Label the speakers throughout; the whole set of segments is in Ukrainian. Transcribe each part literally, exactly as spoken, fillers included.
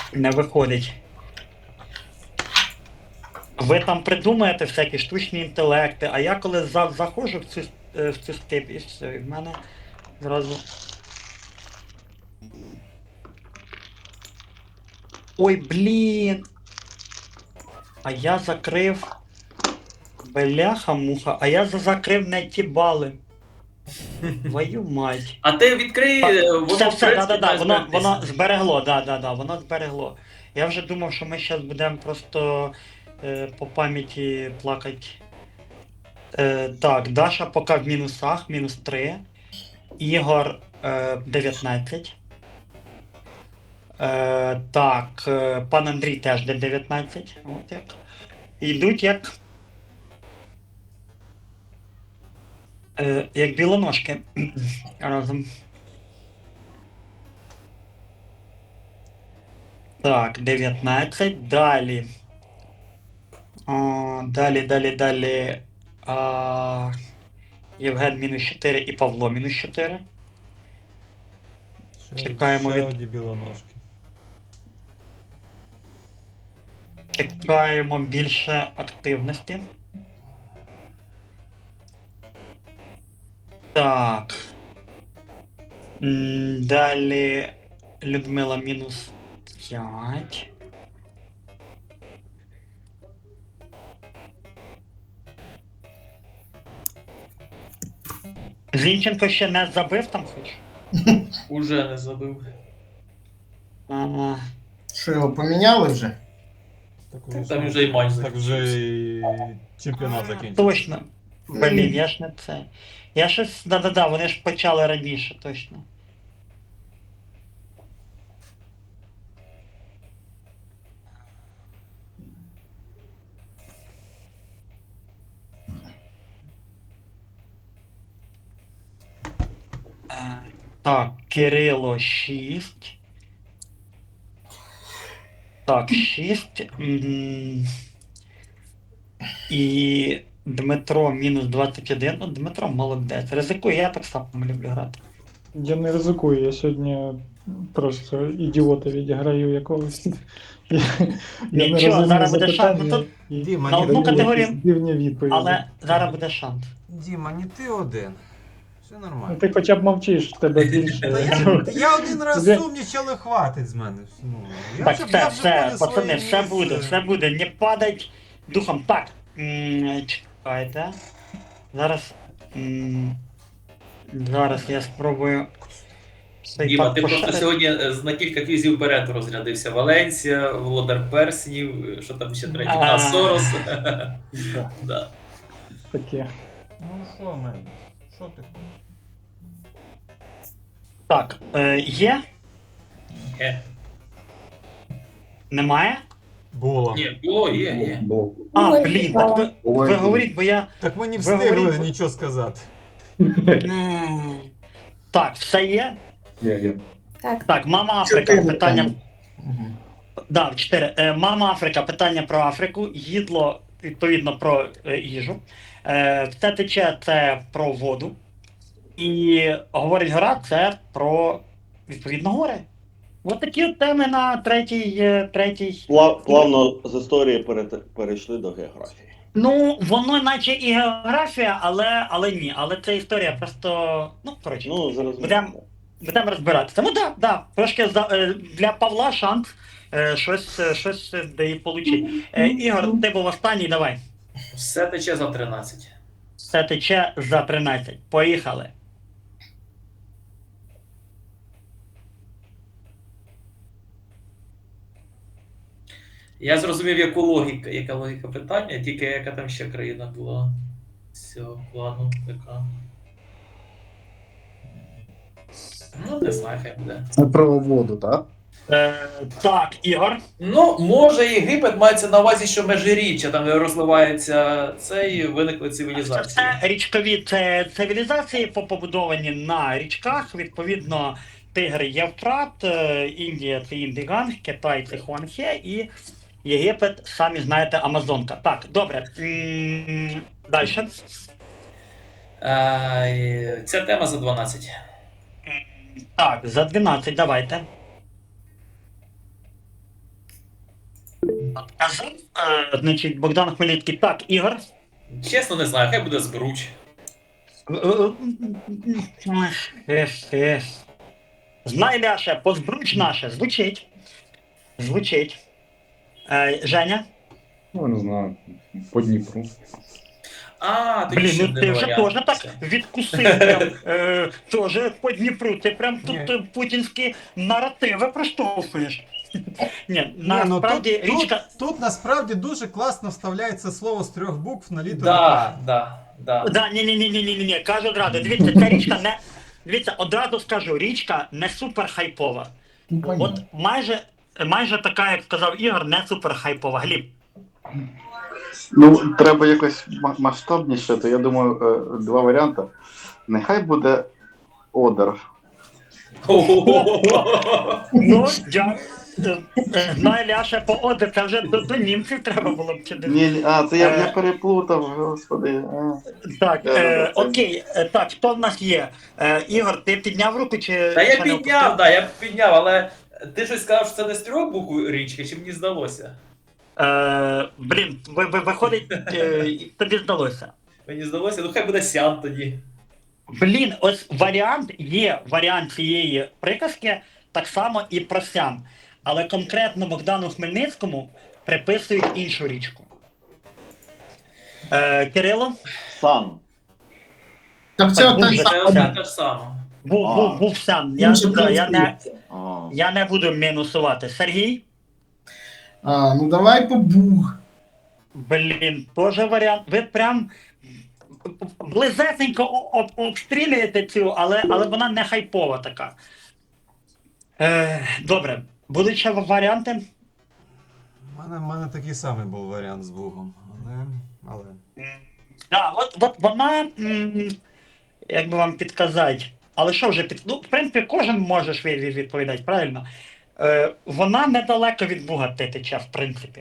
Speaker 1: Не виходить. Ви там придумаєте всякі штучні інтелекти, а я коли за, заходжу в цю, е, в цю степ, і все, і в мене зразу. Ой, блін! А я закрив. Бляха-муха, а я за- закрив не ті бали. Твою мать.
Speaker 2: А ти відкрий,
Speaker 1: Так,
Speaker 2: е, воно
Speaker 1: все,
Speaker 2: в
Speaker 1: все, да,
Speaker 2: принципі
Speaker 1: да, да,
Speaker 2: має
Speaker 1: воно, воно
Speaker 2: зберегтися.
Speaker 1: зберегло, да, да, да, воно зберегло. Я вже думав, що ми зараз будемо просто е, по пам'яті плакати. Е, так, Даша поки в мінусах, мінус три. Ігор е, дев'ятнадцять. Е, так, е, пан Андрій теж де дев'ятнадцять. От як. Йдуть як. Е, як білоножки. Разом. Так, дев'ятнадцять. Далі. А, далі, далі, далі. А, Євген мінус чотири і Павло мінус чотири.
Speaker 3: Ще,
Speaker 1: Чекаємо
Speaker 3: ще
Speaker 1: від.
Speaker 3: одні білоножки.
Speaker 1: Чекаємо більше активності. Так. М, Далі Людмила мінус п'ять. Зінченко ще не забив там хоч?
Speaker 2: Уже не забив.
Speaker 1: А,
Speaker 4: Що його поміняли вже?
Speaker 3: Так
Speaker 2: Там
Speaker 3: вже,
Speaker 2: вже і матч
Speaker 3: так вже
Speaker 2: закінчився.
Speaker 3: і чемпіонат закінчився.
Speaker 1: точно. Блін, я ж не це. Я щось. Да-да-да, вони ж почали раніше, точно. Е, Так, Кирило шість. Так, шість. М, І Дмитро мінус двадцять один. Ну, Дмитро молодець. Ризикує, я так само люблю грати.
Speaker 5: Я не ризикую, я сьогодні просто ідіота відіграю якогось. Я, я не
Speaker 1: Нічого,
Speaker 5: розумію
Speaker 1: зараз буде шанс. Ну,
Speaker 5: запитання
Speaker 1: тут
Speaker 5: і
Speaker 6: Діма,
Speaker 1: на
Speaker 6: ні,
Speaker 1: одну
Speaker 5: даю
Speaker 1: категорію,
Speaker 5: якісь дивні відповіді.
Speaker 1: але зараз буде шанс.
Speaker 6: Діма, не ти один. Все
Speaker 5: Ну,
Speaker 6: нормально.
Speaker 5: ти хоча б мовчиш, в тебе
Speaker 6: Та
Speaker 5: більше.
Speaker 6: я, я один раз
Speaker 5: Де-
Speaker 6: сумнічав, але хватить з мене. Ну, я
Speaker 1: Так,
Speaker 6: вже-
Speaker 1: все,
Speaker 6: я вже
Speaker 1: все,
Speaker 6: буду
Speaker 1: пацани,
Speaker 6: своє
Speaker 1: все
Speaker 6: місце.
Speaker 1: буде, все буде. Не падать духом. Так. м, Чекайте. Зараз. м, Зараз я спробую. цей
Speaker 2: Діма,
Speaker 1: пак
Speaker 2: ти просто
Speaker 1: поширити.
Speaker 2: сьогодні е, на кілька квізів вперед розрядився. Валенсія, Володар Перснів, що там ще третій?
Speaker 1: А.
Speaker 2: А, Сорос.
Speaker 5: Да,
Speaker 2: Да.
Speaker 5: таке.
Speaker 6: Ну що, мен? Що ти?
Speaker 1: Так, е, є?
Speaker 2: Е.
Speaker 1: Немає?
Speaker 3: Було.
Speaker 2: Ні, було, є, є.
Speaker 1: А,
Speaker 7: Ой,
Speaker 1: блін,
Speaker 7: мало.
Speaker 1: так ви, ви говоріть, бо я.
Speaker 3: Так ми не
Speaker 1: Ви
Speaker 3: встигли
Speaker 1: говорите-
Speaker 3: нічого сказати.
Speaker 1: М, Так, все є?
Speaker 7: Так.
Speaker 1: Так, мама Африка,
Speaker 4: Чотири
Speaker 1: питання.
Speaker 4: там.
Speaker 1: Да, чотири. Е, Мама Африка, питання про Африку. Їдло, відповідно, про е, їжу. Е, Все тече це про воду. І говорить гора це про відповідно гори. Ось такі от теми на третій. е, третій.
Speaker 8: Плав, плавно з історії перете- перейшли до географії.
Speaker 1: Ну, воно наче і географія, але, але ні. Але це історія просто. Ну, коротше,
Speaker 8: Ну, зараз
Speaker 1: Будем- будемо розбиратися. Ну так, да, да, трошки за, е, для Павла шанс е, щось, е, щось е, де і получить. Е, Ігор, ти був останній, давай.
Speaker 2: Все тече за тринадцять.
Speaker 1: Все тече за тринадцять. Поїхали.
Speaker 2: Я зрозумів, яку логіка, яка логіка питання, тільки яка там ще країна була. Все, ладно, яка. Ну, не знаю, хай буде.
Speaker 4: Це про воду, так?
Speaker 1: Е, так, Ігор.
Speaker 2: Ну, може, Єгипет мається на увазі, що межиріччя, там де розливається це і виникли цивілізації.
Speaker 1: Це річкові це цивілізації побудовані на річках. Відповідно, Тигр Євфрат, е, Індія це Індиганг, Китай це Хуанхе і Єгипет, самі знаєте, Амазонка. Так, добре. Далі.
Speaker 2: Е, Ця тема за дванадцять.
Speaker 1: Так, за дванадцять давайте. Казав, е, значить, Богдан Хмельницький. Так, Ігор.
Speaker 2: Чесно, не знаю, хай буде збруч.
Speaker 1: Ех, ех. Знай, Ляша, позбруч наше. Звучить. Звучить. Е, Женя.
Speaker 9: Ну, не знаю, по Дніпру.
Speaker 2: А, тоді
Speaker 1: Блін,
Speaker 2: ще
Speaker 1: ну
Speaker 2: один
Speaker 1: ти вже
Speaker 2: варіант.
Speaker 1: теж так відкусив. Прям, е, теж по Дніпру. Ти прям тут
Speaker 6: Ні.
Speaker 1: е, путінські наративи проштовхуєш. Ні,
Speaker 6: Ні, ну,
Speaker 1: насправді
Speaker 6: тут,
Speaker 1: річка.
Speaker 6: тут, тут насправді дуже класно вставляється слово з трьох букв на літеру
Speaker 2: Да,
Speaker 6: К.
Speaker 2: да, да.
Speaker 1: Да, ні, ні, ні, ні, ні, ні, ні, кажу одразу. Дивіться, ця річка не. Дивіться, одразу скажу, річка не супер хайпова.
Speaker 4: Ну,
Speaker 1: От
Speaker 4: понятно.
Speaker 1: майже, майже така, як сказав Ігор, не супер хайпова. Гліб.
Speaker 9: Ну, треба якось ма- масштабніше, то я думаю, е, два варіанти. Нехай буде Одер.
Speaker 1: Ну, дякую. Знає Ляша по оде, це вже до, до німців треба було б чи десь.
Speaker 9: Ні, ні, а, це я,
Speaker 1: Е.
Speaker 9: я переплутав, господи. А.
Speaker 1: Так,
Speaker 9: Да, да,
Speaker 1: е,
Speaker 9: да, це-
Speaker 1: окей, е, так, хто в нас є? Е, Ігор, ти підняв руку чи.
Speaker 2: Та я
Speaker 1: ще не
Speaker 2: підняв,
Speaker 1: опустив?
Speaker 2: да, я підняв, але ти щось сказав, що це не з трьох букв річки, чи мені здалося?
Speaker 1: Е, блін, ви, ви, виходить, е, тобі здалося.
Speaker 2: Мені здалося, ну хай буде сян тоді.
Speaker 1: Блін, ось варіант є варіант цієї приказки, так само і про сям. Але конкретно Богдану Хмельницькому приписують іншу річку. Е, Кирило?
Speaker 8: Сан.
Speaker 4: Так це
Speaker 1: Так,
Speaker 4: той
Speaker 1: дуже
Speaker 2: Це
Speaker 4: самий.
Speaker 2: одне те ж саме.
Speaker 1: Був,
Speaker 8: А.
Speaker 1: був, був сям. Я,
Speaker 4: Інший
Speaker 1: да, я, не,
Speaker 4: принцип.
Speaker 8: Ага.
Speaker 1: я не буду мінусувати. Сергій?
Speaker 4: А, ну давай по буг.
Speaker 1: Блін, теж варіант. Ви прям близесенько о- об- обстрілюєте цю, але, але вона не хайпова така. Е, добре, будуть ще варіанти?
Speaker 6: У мене, в мене такий самий був варіант з Бугом. Але. але...
Speaker 1: А, от, от вона, м, як би вам підказати, але що вже під. Ну, в принципі, кожен може ж від- від- відповідати, правильно? Е, вона недалеко від Буга тече, в принципі.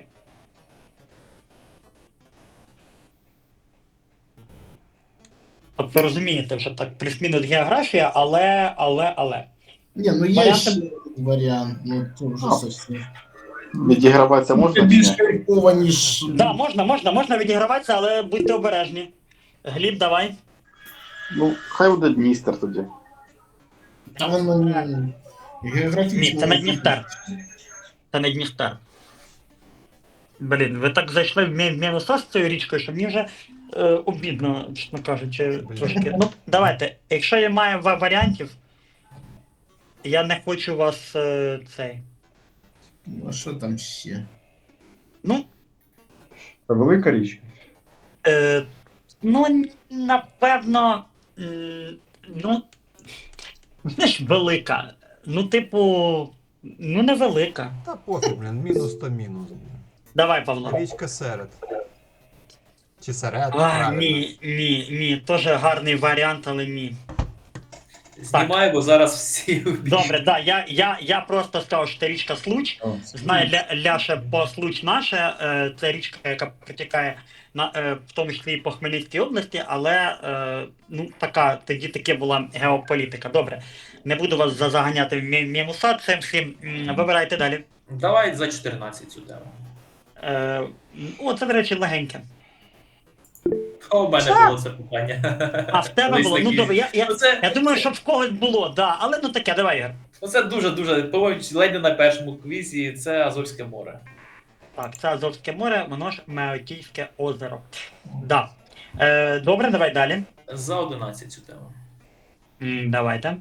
Speaker 1: От ви розумієте, вже так плюс-мінус географія, але, але, але.
Speaker 4: Ні, ну є
Speaker 1: Варіанти-
Speaker 4: ще варіант, ну це вже
Speaker 9: А.
Speaker 4: совсем.
Speaker 9: Відіграватися
Speaker 4: Це
Speaker 9: можна?
Speaker 4: більш
Speaker 9: чи ні?
Speaker 4: кайфово, ніж.
Speaker 1: Да, можна, можна, можна відіграватися, але будьте обережні. Гліб, давай.
Speaker 9: Ну, хай буде Дністер тоді.
Speaker 4: А воно не географічно.
Speaker 1: Ні, це не Дністер. Це не Дністер. Блін, ви так зайшли в мі- в мінуса з цією річкою, що мені вже е, обідно, чесно кажучи,
Speaker 6: Блін.
Speaker 1: трошки. Ну, давайте, якщо я маю ва- варіантів, я не хочу вас е, цей.
Speaker 4: Ну, а що там ще?
Speaker 1: Ну,
Speaker 9: Це велика річка.
Speaker 1: е, ну, напевно, м, ну, знаєш, велика. Ну, типу, ну, невелика.
Speaker 6: Та пофіг, блін, мінус то мінус.
Speaker 1: Давай, Павло.
Speaker 6: Річка серед. Чи серед?
Speaker 1: А,
Speaker 6: правильно.
Speaker 1: ні, ні, ні, теж гарний варіант, але ні.
Speaker 2: Знімаю, бо зараз всі.
Speaker 1: Добре, да, я, я, я просто сказав, що це річка Случ.
Speaker 4: О, це
Speaker 1: Знає Ля, Ляша по Случ наше, е, це річка, яка протікає на, е, в тому числі і по Хмельницькій області, але е, ну, така, тоді таке була геополітика. Добре, не буду вас за- заганяти в мі- мінуса, цим всім м, вибирайте далі.
Speaker 2: Давай за чотирнадцять цю тему.
Speaker 1: Е, о, це, до речі, легеньке.
Speaker 2: А у мене було це питання.
Speaker 1: А в тебе
Speaker 2: Колись
Speaker 1: було? Ну
Speaker 2: такі.
Speaker 1: добре, я, я,
Speaker 2: Ну, це,
Speaker 1: я думаю, що в когось було, да, але ну таке, давай, Ігор.
Speaker 2: ну, це дуже-дуже, по-моєму, ледь не на першому квізі, це Азовське море.
Speaker 1: Так, це Азовське море, воно ж Меотійське озеро. Да. Е, добре, давай далі.
Speaker 2: За одинадцять цю тему.
Speaker 1: М, давайте.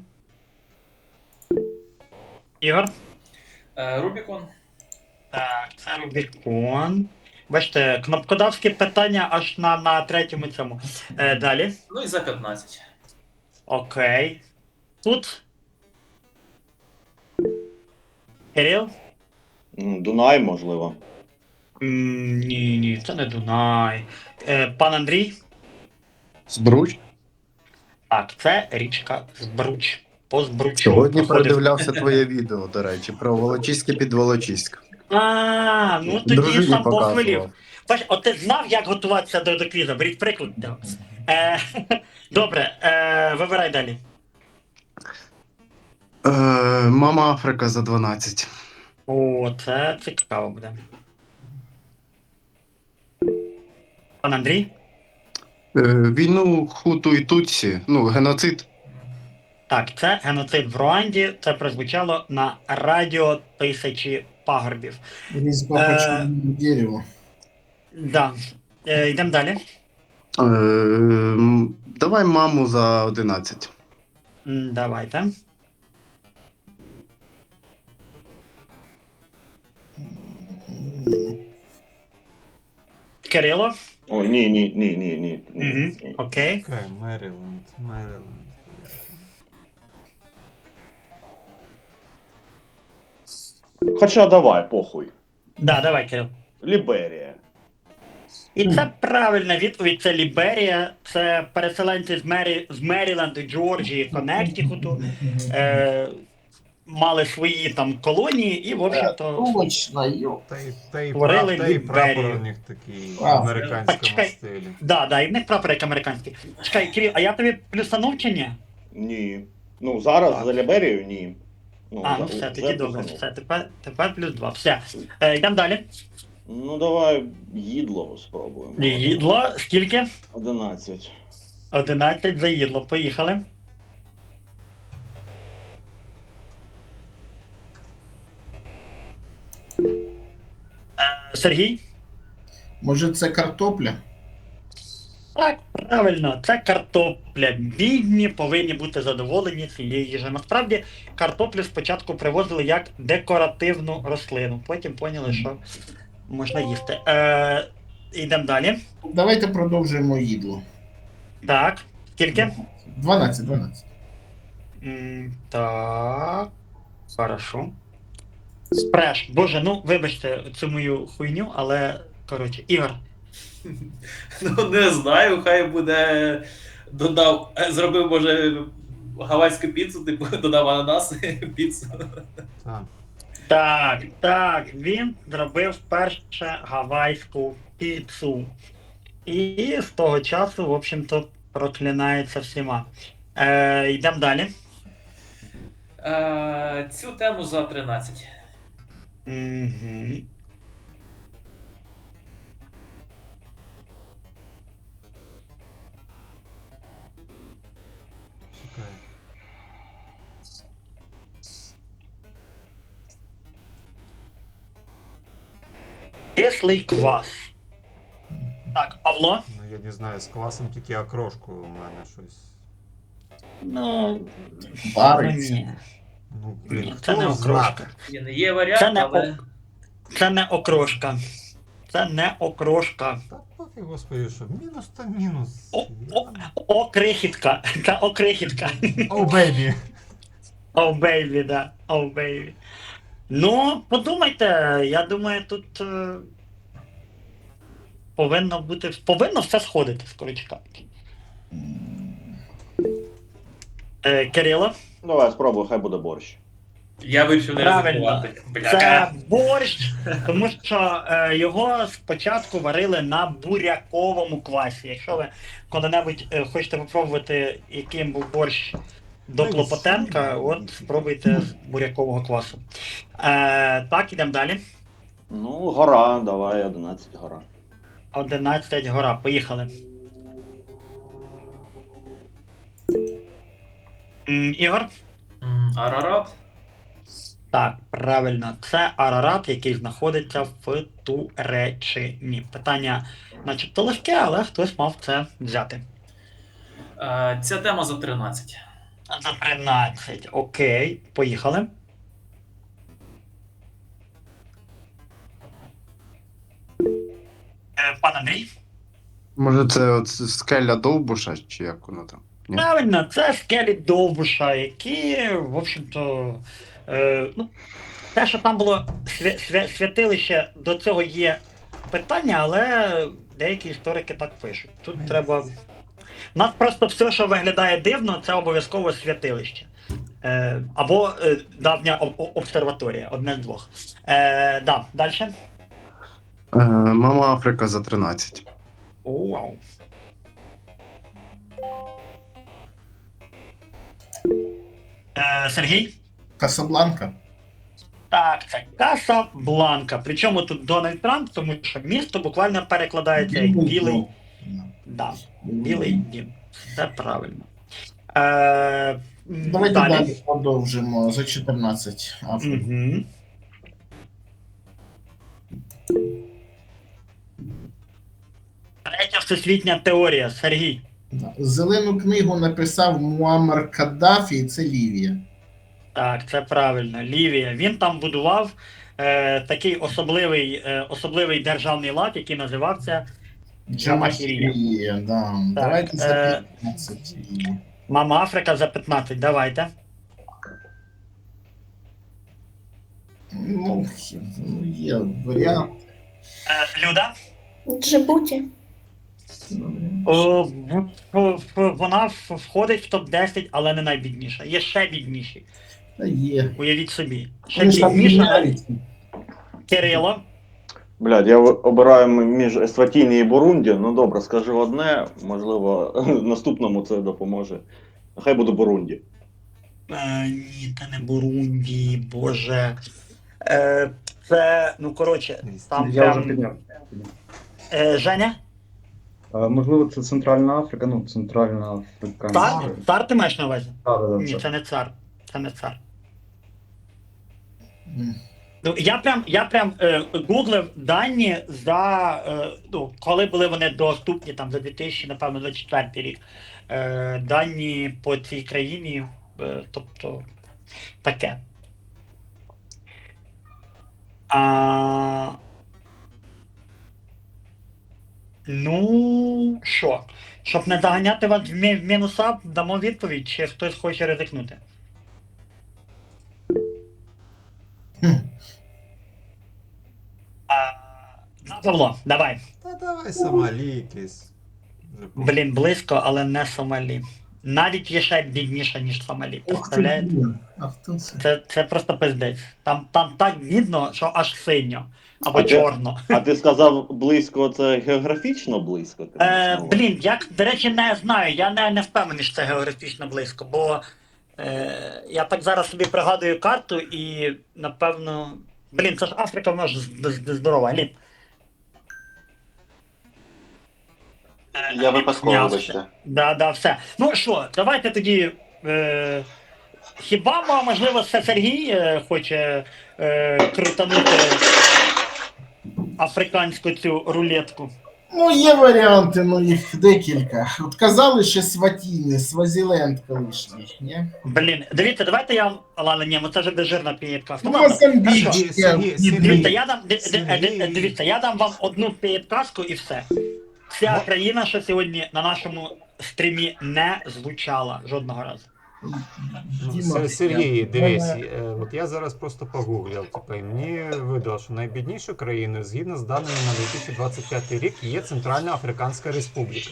Speaker 1: Ігор.
Speaker 2: Е, Рубікон.
Speaker 1: Так, це Рубікон. Бачите, кнопкодавське питання аж на, на третьому цьому. Е, далі.
Speaker 2: Ну і за п'ятнадцять.
Speaker 1: Окей. Тут. Кирил?
Speaker 8: М, Дунай, можливо.
Speaker 1: М, ні, ні, це не Дунай. Е, пан Андрій?
Speaker 10: Збруч?
Speaker 1: Так, це річка Збруч. По Збручу.
Speaker 10: Сьогодні
Speaker 1: проходив.
Speaker 10: передивлявся твоє відео, до речі, про Волочиське під Волочиськ.
Speaker 1: А, ну тоді
Speaker 10: Дружині
Speaker 1: сам
Speaker 10: показував.
Speaker 1: похвалів. Бач, от ти знав, як готуватися до, до квіза, беріть приклад. Е, добре, е, вибирай далі.
Speaker 10: Е, Мама Африка за дванадцять.
Speaker 1: О, це цікаво буде. Пан Андрій?
Speaker 10: Е, Війну Хуту і Тутсі, ну, геноцид.
Speaker 1: Так, це геноцид в Руанді. Це прозвучало на радіо тисячі пагорбів.
Speaker 4: Резьба
Speaker 1: Е,
Speaker 4: по черному дереву.
Speaker 1: Да. Е, йдемо далі.
Speaker 10: Е, м, Давай маму за одинадцять.
Speaker 1: М, Давайте. Кирило?
Speaker 8: Ой, ні, ні, ні, ні, ні. ні,
Speaker 1: Угу.
Speaker 8: ні.
Speaker 1: Окей.
Speaker 6: Окей, Меріленд, Меріленд.
Speaker 8: Хоча давай, похуй.
Speaker 1: Да, давай, Кирил.
Speaker 8: Ліберія.
Speaker 1: І це правильна відповідь. Це Ліберія, це переселенці з, Мері... з Меріленду, Джорджії, Коннектикуту. Е... Мали свої там колонії і, в общем-то,
Speaker 4: Точно, йо.
Speaker 6: Та й, та й,
Speaker 1: Створили
Speaker 6: пра- та й прапор
Speaker 1: Ліберію.
Speaker 6: у них такий в
Speaker 4: А,
Speaker 6: американському
Speaker 1: чекай.
Speaker 6: стилі.
Speaker 1: да, да, і в них прапор як американський. Чекай, Кирил, а я тобі плюсанув чи ні?
Speaker 8: Ні. Ну, зараз
Speaker 1: Так.
Speaker 8: за Ліберію ні. Ну,
Speaker 1: А, ну
Speaker 8: за-
Speaker 1: все,
Speaker 8: вже
Speaker 1: тоді добре.
Speaker 8: плюсанув.
Speaker 1: Все, тепер, тепер плюс два. Все. Е, йдемо далі.
Speaker 8: Ну, давай їдло спробуємо.
Speaker 1: Їдло, скільки?
Speaker 8: одинадцять.
Speaker 1: одинадцять за їдло. Поїхали. Е, Сергій?
Speaker 4: Може це картопля?
Speaker 1: Так, правильно, це картопля. Бідні повинні бути задоволені цією їжею. Насправді, картоплю спочатку привозили як декоративну рослину, потім поняли, що можна їсти. Е, йдемо далі.
Speaker 4: Давайте продовжуємо їдло.
Speaker 1: Так, скільки?
Speaker 4: дванадцять, дванадцять.
Speaker 1: М, так. Хорошо. Спреш. Боже, ну вибачте цю мою хуйню, але коротше, Ігор.
Speaker 2: Ну, не знаю, хай буде. Додав, е, зробив, може, гавайську піцу, типу, додав ананас піцу.
Speaker 6: Так.
Speaker 1: Так, так, він зробив перше гавайську піцу. І з того часу, в общем-то, проклинається всіма. Е, йдемо далі.
Speaker 2: Е, цю тему за тринадцять.
Speaker 1: Угу.
Speaker 6: Чекай.
Speaker 1: Кислий квас. Так, Павло?
Speaker 6: Ну я не знаю, з квасом тільки окрошку у мене щось.
Speaker 1: Ну,
Speaker 4: Вариться.
Speaker 1: ні.
Speaker 6: Ну, блін,
Speaker 1: Ні,
Speaker 6: хто
Speaker 1: це не
Speaker 6: зна?
Speaker 1: окрошка.
Speaker 2: Є, не є варіант,
Speaker 1: Це не,
Speaker 2: але.
Speaker 1: ок... це не окрошка. Це не окрошка.
Speaker 6: Та поки, господи, що мінус та мінус.
Speaker 1: О, о, окрихітка. Це окрихітка.
Speaker 6: О, бейбі.
Speaker 1: О, бейбі, да. О, бейбі. Ну, подумайте, я думаю, тут е, повинно бути. Повинно все сходити, скоріше кажучи. Е, Кирило?
Speaker 8: Давай спробуй, хай буде борщ.
Speaker 2: Я вирішив не
Speaker 1: Правильно.
Speaker 2: ризикувати.
Speaker 1: Це
Speaker 2: Бляха.
Speaker 1: борщ, тому що е, його спочатку варили на буряковому квасі. Якщо ви коли-небудь е, хочете попробувати, яким був борщ до Клопотенка, от спробуйте з бурякового квасу. Е, так, ідемо далі.
Speaker 8: Ну, гора, давай, одинадцять гора.
Speaker 1: одинадцять гора. Поїхали. М, Ігор?
Speaker 2: М, Арарат.
Speaker 1: Так, правильно, це Арарат, який знаходиться в Туреччині. Питання начебто легке, але хтось мав це взяти.
Speaker 2: Е, ця тема за тринадцять.
Speaker 1: За тринадцять. Окей, поїхали. Е, Пан Андрій?
Speaker 10: Може, це от скеля Довбуша, чи як воно там? Ні?
Speaker 1: Правильно, це скелі Довбуша, які, в общем-то, е, ну, те, що там було свя- свя- святилище, до цього є питання, але деякі історики так пишуть. Тут треба. У нас просто все, що виглядає дивно, це обов'язково святилище. Е, або е, давня об- об- обсерваторія, одне з двох. Е, да, далі.
Speaker 10: Е, Мама Африка за тринадцять.
Speaker 1: Вау. Е, Сергій?
Speaker 4: Касабланка.
Speaker 1: Так, це Касабланка. Причому тут Дональд Трамп, тому що місто буквально перекладається як білий. Да, білий дім. Це правильно. Е,
Speaker 4: Давайте
Speaker 1: далі.
Speaker 4: далі продовжимо за чотирнадцять. Африка.
Speaker 1: Угу. Третя всесвітня теорія. Сергій.
Speaker 4: Да. Зелену книгу написав Муаммар Каддафі, і це Лівія.
Speaker 1: Так, це правильно. Лівія. Він там будував е, такий особливий, е, особливий державний лад, який називався Джамахірія.
Speaker 4: Джамахірія, да. Давайте за
Speaker 1: е,
Speaker 4: п'ятнадцять.
Speaker 1: Мама Африка за п'ятнадцять. Давайте.
Speaker 4: Ну, ну, є варіант.
Speaker 1: Е, Люда.
Speaker 7: Джибуті.
Speaker 1: О, в- в- в- вона в- входить в топ десять, але не найбідніша. Є ще бідніші.
Speaker 4: Та є.
Speaker 1: Уявіть собі. Ще
Speaker 4: Вони ж там
Speaker 1: бідніша.
Speaker 4: міняються.
Speaker 1: Кирило.
Speaker 9: Блядь, я обираю між Есватіні і Бурунді. Ну добре, скажу одне, можливо, наступному це допоможе. Нехай буде Бурунді.
Speaker 1: Е, ні, це не Бурунді, боже. Е, це, ну коротше, там
Speaker 11: Я вже
Speaker 1: прям...
Speaker 11: підняв.
Speaker 1: Е, Женя?
Speaker 11: А, можливо, це Центральна Африка, ну, Центральна Африканська.
Speaker 1: Цар? Цар ти маєш на увазі?
Speaker 11: Так, так,
Speaker 1: Ні,
Speaker 11: так.
Speaker 1: це не цар. Це не цар.
Speaker 4: М.
Speaker 1: Ну, я прям, я прям е, гуглив дані за, е, ну, коли були вони доступні, там, за дві тисячі, напевно, двадцять четвертий рік. Е, дані по цій країні, е, тобто, таке. А... Ну, що? Щоб не заганяти вас в мі- в мінуса, дамо відповідь, чи хтось хоче ризикнути.
Speaker 4: Хм.
Speaker 1: А, ну, Павло, давай.
Speaker 6: Та давай Сомалі якийсь. Вже по-
Speaker 1: Блін, близько, але не Сомалі. Навіть є ще бідніше, ніж Сомалі.
Speaker 4: Ох ти,
Speaker 1: Представляєте?
Speaker 4: блін. А хто це?
Speaker 1: Це, це просто пиздець. Там, там так бідно, що аж синьо. Або
Speaker 9: А де-
Speaker 1: чорно.
Speaker 9: А ти сказав близько, це географічно близько? Ти маєш
Speaker 1: Е,
Speaker 9: на увазі?
Speaker 1: блін, я, до речі, не знаю. Я не, не впевнений, що це географічно близько, бо е, я так зараз собі пригадую карту і, напевно. Блін, це ж Африка, вона ж з- з- здорова. Ліп. Е,
Speaker 9: Я випадково,
Speaker 1: знявся.
Speaker 9: вибачте.
Speaker 1: Да, да, все. Ну що, давайте тоді. Е, хіба мо- можливо це Сергій е, хоче е, крутанути африканську цю рулетку?
Speaker 4: Ну, є варіанти, ну їх декілька. От казали ще Сватіни, Свазіленд колишній, ні?
Speaker 1: Блін, дивіться, давайте я вам. Ладно, ні, ну це вже безжирна підказка.
Speaker 4: Ну,
Speaker 1: Ну, ладно,
Speaker 4: Мозамбік,
Speaker 1: хорошо.
Speaker 6: Сергій,
Speaker 4: ще,
Speaker 6: Сергій,
Speaker 4: ні,
Speaker 6: Сергій.
Speaker 1: Дивіться,
Speaker 4: ні.
Speaker 1: я дам, ди- ди- ди-
Speaker 6: Сергій.
Speaker 1: дивіться, я дам вам одну підказку і все. Ця
Speaker 6: Мо-
Speaker 1: країна, що сьогодні на нашому стрімі не звучала жодного разу.
Speaker 6: Ну,
Speaker 4: Діма,
Speaker 6: Се- Сергій,
Speaker 4: я-
Speaker 6: дивись, е, от я зараз просто погуглив, типу, і мені видало, що найбіднішою країною, згідно з даними на дві тисячі двадцять п'ятий рік, є Центральна Африканська Республіка.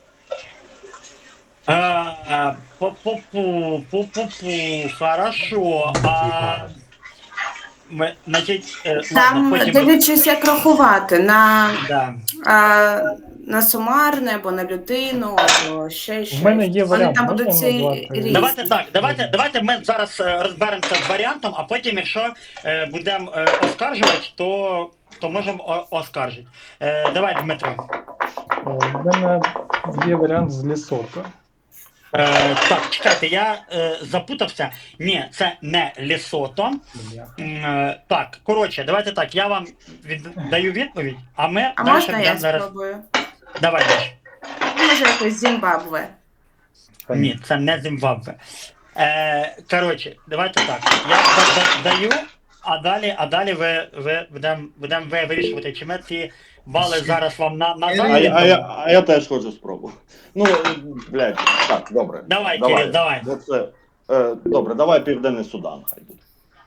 Speaker 1: Е, е, Пу-пу-пу, пу-пу-пу, хорошо. А, ми, значить, е, ладно,
Speaker 12: Там
Speaker 1: потім...
Speaker 12: дивлячись, як рахувати на,
Speaker 1: Да.
Speaker 12: а, на сумарне або на людину, або ще щось.
Speaker 5: В мене є
Speaker 12: Вони
Speaker 5: варіант,
Speaker 12: там
Speaker 5: можна
Speaker 12: будуть ці
Speaker 5: назвати?
Speaker 12: різні.
Speaker 1: Давайте так, давайте, давайте ми зараз е, розберемося з варіантом, а потім, якщо е, будемо е, оскаржувати, то, то можемо о- оскаржити. Е, давай, Дмитро.
Speaker 5: Е, В мене є варіант з Лесото.
Speaker 1: Е, так, чекайте, я е, запутався. Ні, це не Лесото. М, е, так, коротше, давайте так, я вам віддаю відповідь, а ми
Speaker 12: А
Speaker 1: далі
Speaker 12: можна я
Speaker 1: будемо зараз.
Speaker 12: спробую?
Speaker 1: Давай, Даш.
Speaker 12: Може, якось Зімбабве.
Speaker 1: Ні, це не Зімбабве. Е, коротше, давайте так. Я да- да- даю, а далі, а далі ви, ви будемо будем ви вирішувати, чи ми ці бали зараз вам на, на
Speaker 4: А
Speaker 9: А, я- а, я, а я теж хочу спробувати. Ну, блядь, так, добре.
Speaker 1: Давай, Кирил, давай.
Speaker 9: Бо це, е, добре, давай Південний Судан, хай буде.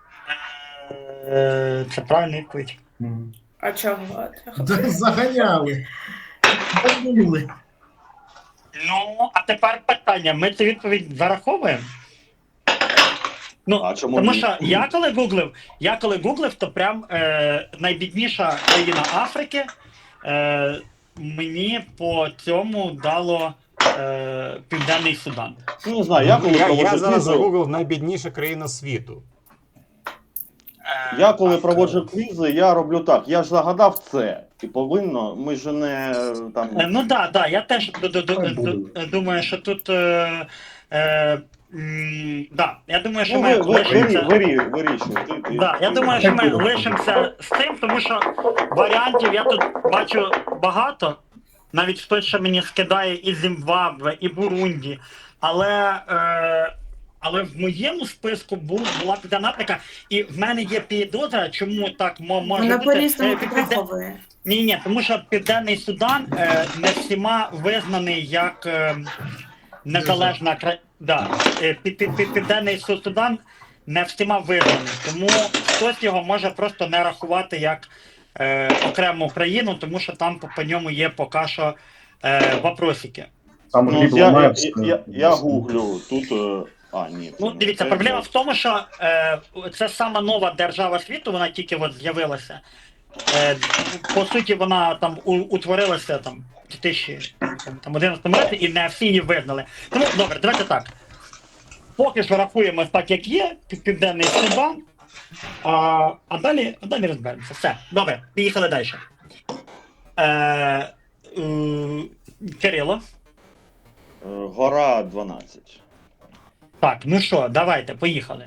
Speaker 1: Е, це правильна відповідь.
Speaker 12: А чого?
Speaker 4: Да, заганяли. Загнули.
Speaker 1: Ну, а тепер питання. Ми цю відповідь зараховуємо? Ну,
Speaker 9: А чому
Speaker 1: тому
Speaker 9: ні?
Speaker 1: що я коли гуглив, я коли гуглив, то прям е, найбідніша країна Африки е, мені по цьому дало е, Південний Судан.
Speaker 9: Ну, не знаю, я коли
Speaker 6: Я,
Speaker 9: проводжу
Speaker 6: я зараз
Speaker 9: відео-
Speaker 6: загуглив найбідніша країна світу.
Speaker 1: Е,
Speaker 9: Я коли
Speaker 1: так,
Speaker 9: проводжу квізи, я роблю так. Я ж загадав це. І повинно, ми ж не там.
Speaker 1: Е, Ну так, да, да, я теж ду- ду- ду-
Speaker 11: Хай
Speaker 1: ду-
Speaker 11: буде.
Speaker 1: думаю, що тут. Е, е, м, да, я думаю, що
Speaker 9: Ну,
Speaker 1: ми
Speaker 9: ви, ви,
Speaker 1: лишимося.
Speaker 9: вирі, вирі, вирішуй. Ти, ти,
Speaker 1: Да, я
Speaker 9: ти-
Speaker 1: думаю, що ми лишимося з цим, тому що варіантів я тут бачу багато. Навіть хтось ще мені скидає і Зімбабве, і Бурунді. Але, е, але в моєму списку був, була Південна Африка, і в мене є підозра, чому так мо- може
Speaker 12: Вона
Speaker 1: бути.
Speaker 12: по-різному
Speaker 1: Е, Півде-
Speaker 12: підраховує.
Speaker 1: Ні, ні, тому що Південний Судан е, не всіма визнаний як е, незалежна країна. Да, е, пі- пі- пі- Південний Су- Судан не всіма визнаний, тому хтось його може просто не рахувати як е, окрему країну, тому що там по, по ньому є поки що е, вопросики.
Speaker 11: Там
Speaker 9: Ну,
Speaker 11: глиб
Speaker 9: я, я,
Speaker 11: ламається.
Speaker 9: я, я гуглю тут. е, А, ні. це
Speaker 1: Ну,
Speaker 9: не
Speaker 1: дивіться,
Speaker 9: це,
Speaker 1: проблема
Speaker 9: це-
Speaker 1: в тому, що е, це сама нова держава світу, вона тільки от з'явилася. Е, по суті, вона там у, утворилася там в дві тисячі одинадцятому році і не всі її визнали. Тому добре, давайте так. Поки що рахуємо так, як є, Пів- Південний Судан, а, а далі, а далі розберемося. Все, добре, поїхали далі. Е, е, Кирило.
Speaker 9: е, Гора дванадцять.
Speaker 1: Так, ну що, давайте, поїхали.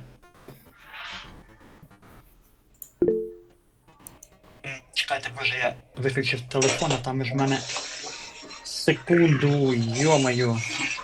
Speaker 1: М, Чекайте, може я виключив телефон, а там ж в мене секунду, йомаю.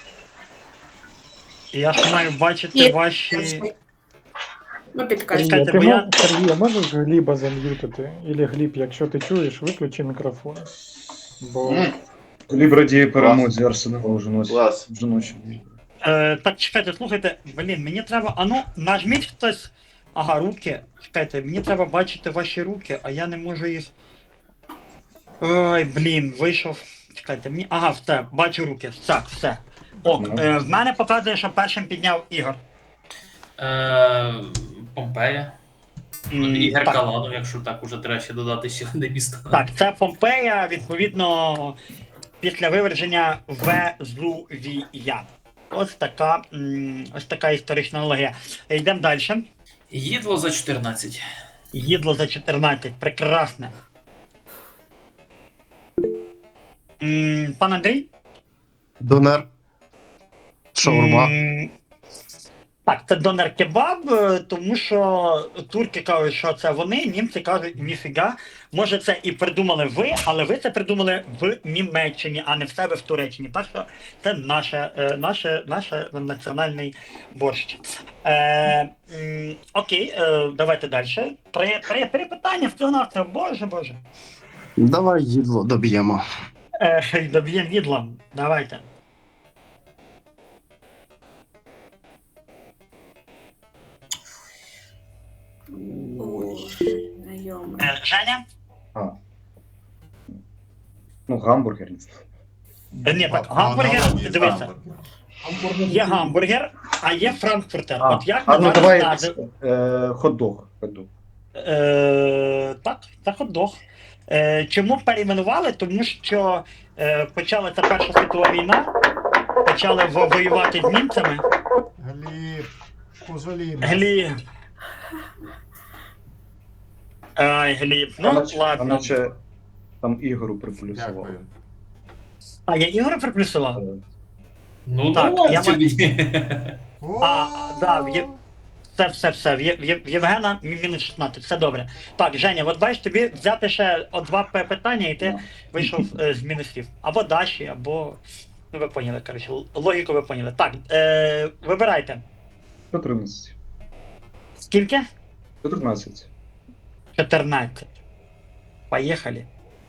Speaker 1: Я ж маю бачити
Speaker 12: Є.
Speaker 1: ваші.
Speaker 12: Ну, підкажіть.
Speaker 1: Чекайте,
Speaker 5: Сергій,
Speaker 1: бо я-
Speaker 5: ти мо- Сергій, а можеш Гліба зам'ютити? Ілі Гліб, якщо ти чуєш, виключи мікрофон. Бо
Speaker 11: Гліб радіє перемозі Арсенала вже ночі.
Speaker 8: Клас.
Speaker 11: Вже ночі.
Speaker 1: Е, так, чекайте, слухайте, блін, мені треба. А ну, нажміть хтось. Ага, руки. Чекайте, мені треба бачити ваші руки, а я не можу їх. Ой, блін, вийшов. Чекайте, мені. Ага, все, бачу руки. Так, все. Ок,
Speaker 11: Ну.
Speaker 1: е, в мене показує, що першим підняв Ігор.
Speaker 2: Е, Помпея.
Speaker 1: М,
Speaker 2: Ігор
Speaker 1: так.
Speaker 2: Каладов, якщо так уже треба ще додати ще одне місто.
Speaker 1: Так, це Помпея, відповідно, після виверження Везувія. Ось така, м, ось така історична аналогія. Йдемо далі.
Speaker 2: Їдло за чотирнадцять.
Speaker 1: Їдло за чотирнадцять. Прекрасне. М, Пан Андрій?
Speaker 10: Донер. Шаурма.
Speaker 1: М, Так, це донер-кебаб, е, тому що турки кажуть, що це вони, німці кажуть, ніфіга. Може, це і придумали ви, але ви це придумали в Німеччині, а не в себе в Туреччині. Так що це наше, е, наше, наше національний борщ. Е, м, окей, е, давайте далі. Три, три, три питання всього на все. Боже, боже.
Speaker 10: Давай їдло доб'ємо.
Speaker 1: Е, доб'ємо їдлом. Давайте.
Speaker 12: Ой, знайоме.
Speaker 1: Е, Женя?
Speaker 11: А. Ну, гамбургер. не знаю.
Speaker 1: Е, Ні, так, гамбургер, дивися. Є гамбургер, а є франкфуртер.
Speaker 11: А,
Speaker 1: От як
Speaker 11: а
Speaker 1: ми
Speaker 11: ну
Speaker 1: зараз
Speaker 11: давай
Speaker 1: назив-
Speaker 11: е, хот-дог. хот-дог.
Speaker 1: Е, так, це хот-дог. Е, чому перейменували? Тому що е, почалася Перша світова війна, почали во- воювати з німцями.
Speaker 3: Гліб, пожалій.
Speaker 1: Гліб. Ай, Гліб.
Speaker 11: А
Speaker 1: Ну,
Speaker 11: наче- а
Speaker 1: ладно.
Speaker 11: наче там Ігору приплюсував.
Speaker 3: Дякую.
Speaker 1: А я Ігор приплюсував?
Speaker 11: Е,
Speaker 2: Ну,
Speaker 1: Так,
Speaker 2: давай
Speaker 1: я
Speaker 2: тобі.
Speaker 1: А, да, в Є- Все, все, все. В Є- в Є- в Євгена мі- мінус шістнадцять, все добре. Так, Женя, от бачиш, тобі взяти ще о два п- питання, і ти
Speaker 11: Ну.
Speaker 1: вийшов е, з мінусів. Або Даші, або. Ну, ви поняли, коротше, л- логіку ви поняли. Так, е, вибирайте.
Speaker 11: чотирнадцять.
Speaker 1: Скільки?
Speaker 11: чотирнадцять.
Speaker 1: чотирнадцять. Поїхали.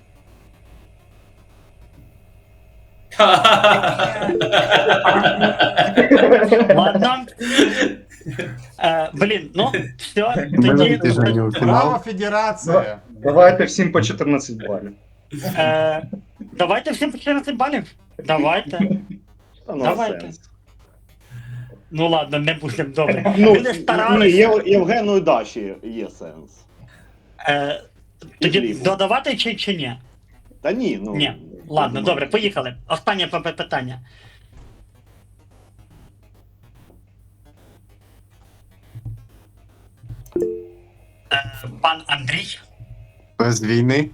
Speaker 1: Ладно. Е, блін, ну, все,
Speaker 10: Ми
Speaker 1: тоді.
Speaker 10: ти Женю у
Speaker 3: Браво,
Speaker 10: фінал.
Speaker 3: Федерація!
Speaker 11: Давайте всім по чотирнадцять балів.
Speaker 1: Е, давайте всім по чотирнадцять балів. Давайте.
Speaker 9: Та ну,
Speaker 1: Давайте.
Speaker 9: сенс.
Speaker 1: Ну ладно, не будемо добре.
Speaker 9: Ну,
Speaker 1: Люди
Speaker 9: ну,
Speaker 1: старалися.
Speaker 9: Є- Євгену і Даші є сенс.
Speaker 1: Е, тоді
Speaker 9: Глібу.
Speaker 1: додавати чи, чи ні?
Speaker 9: Та ні, ну.
Speaker 1: Ні. Ладно, добре, поїхали. Останнє п- п- питання. Е, Пан Андрій.
Speaker 10: Без війни.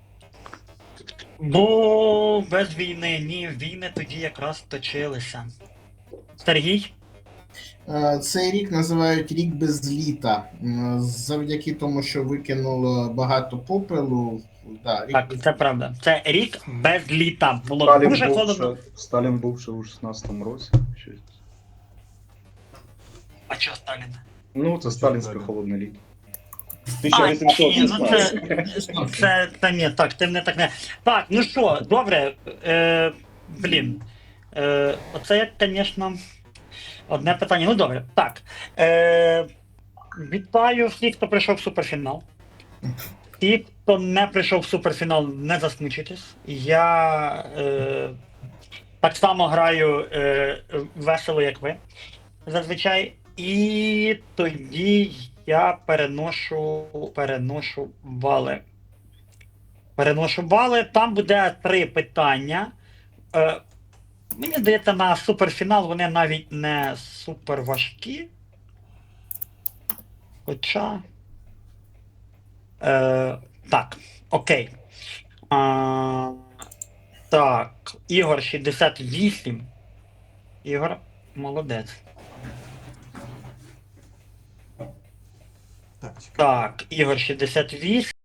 Speaker 1: Бо без війни, ні, війни тоді якраз точилися. Сергій?
Speaker 4: Е, Цей рік називають рік без літа. М, Завдяки тому, що викинуло багато попелу. Да, рік
Speaker 1: Так,
Speaker 4: без
Speaker 1: це правда. Це рік без літа. Було
Speaker 11: Сталін
Speaker 1: дуже
Speaker 11: був,
Speaker 1: холодно.
Speaker 11: ще, Сталін був ще у шістнадцятому році. Щось.
Speaker 1: А чого Сталін?
Speaker 11: Ну, це сталінське холодне літо.
Speaker 1: А, ні, ну це,
Speaker 9: тисяча
Speaker 1: це, це ні, так, ти мене так не. Так, ну що, добре. Е, блін. Е, оце як, звісно, одне питання. Ну добре. Так. Е, вітаю всіх, хто прийшов в суперфінал. Ті, хто не прийшов в суперфінал, не засмучуйтесь. Я е, так само граю е, весело, як ви. Зазвичай. І тоді я переношу, переношу бали. Переношу бали. Там буде три питання. Е, мені здається, на суперфінал вони навіть не супер важкі. Хоча. Е, так, окей. А, так, Ігор шістдесят вісім. Ігор, молодець.
Speaker 3: Так, чекай.
Speaker 1: Так, Ігор шістдесят вісім.